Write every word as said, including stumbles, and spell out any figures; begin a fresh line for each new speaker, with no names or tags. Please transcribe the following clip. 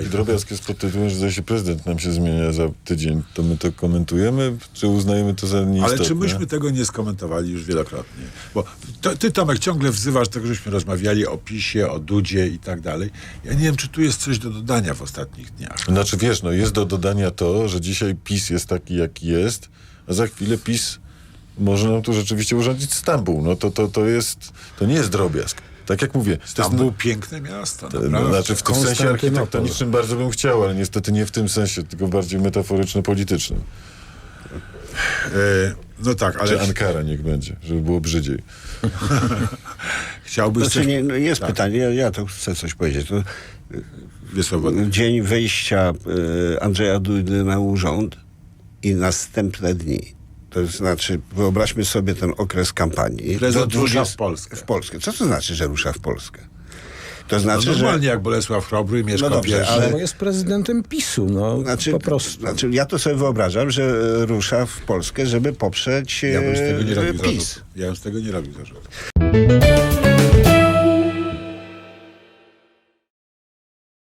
taki drobiazg jest pod tytułem, że zdaje się prezydent nam się zmienia za tydzień. To my to komentujemy, czy uznajemy to za nieistotne?
Ale czy myśmy tego nie skomentowali już wielokrotnie? Bo to, ty, Tomek, ciągle wzywasz tego, żeśmy rozmawiali o PiSie, o Dudzie i tak dalej. Ja nie wiem, czy tu jest coś do dodania w ostatnich dniach.
Znaczy wiesz, no jest do dodania to, że dzisiaj PiS jest taki, jaki jest, a za chwilę PiS może nam tu rzeczywiście urządzić Stambuł. No to, to, to jest, to nie jest drobiazg. Tak jak mówię.
Tam
to
było
jest,
piękne miasto,
to,
naprawdę.
znaczy w tym sensie
Konstantynopol.
architektonicznym bardzo bym chciał, ale niestety nie w tym sensie, tylko bardziej metaforyczno-politycznym.
E, no tak, ale
Czy Ankara niech będzie, żeby było brzydziej.
chciałbyś
Znaczy,
coś...
nie, no jest
Tak.
pytanie, ja, ja to chcę coś powiedzieć. To
Wiesławodny.
dzień wejścia e, Andrzeja Dudy na urząd i następne dni. To znaczy, wyobraźmy sobie ten okres kampanii.
Prezydent
Do
rusza
dwudziest-
w Polskę.
W Polskę. Co to znaczy, że rusza w Polskę? To
No
znaczy, że...
normalnie jak Bolesław Chrobry mieszka
No dobrze,
w Wieży.
ale-
Bo jest prezydentem PiSu, no
Znaczy,
po prostu.
znaczy, ja to sobie wyobrażam, że rusza w Polskę, żeby poprzeć
Ja bym z tego nie
e,
robił
PiS.
zarzutu. Ja bym z tego nie robił zarzutu.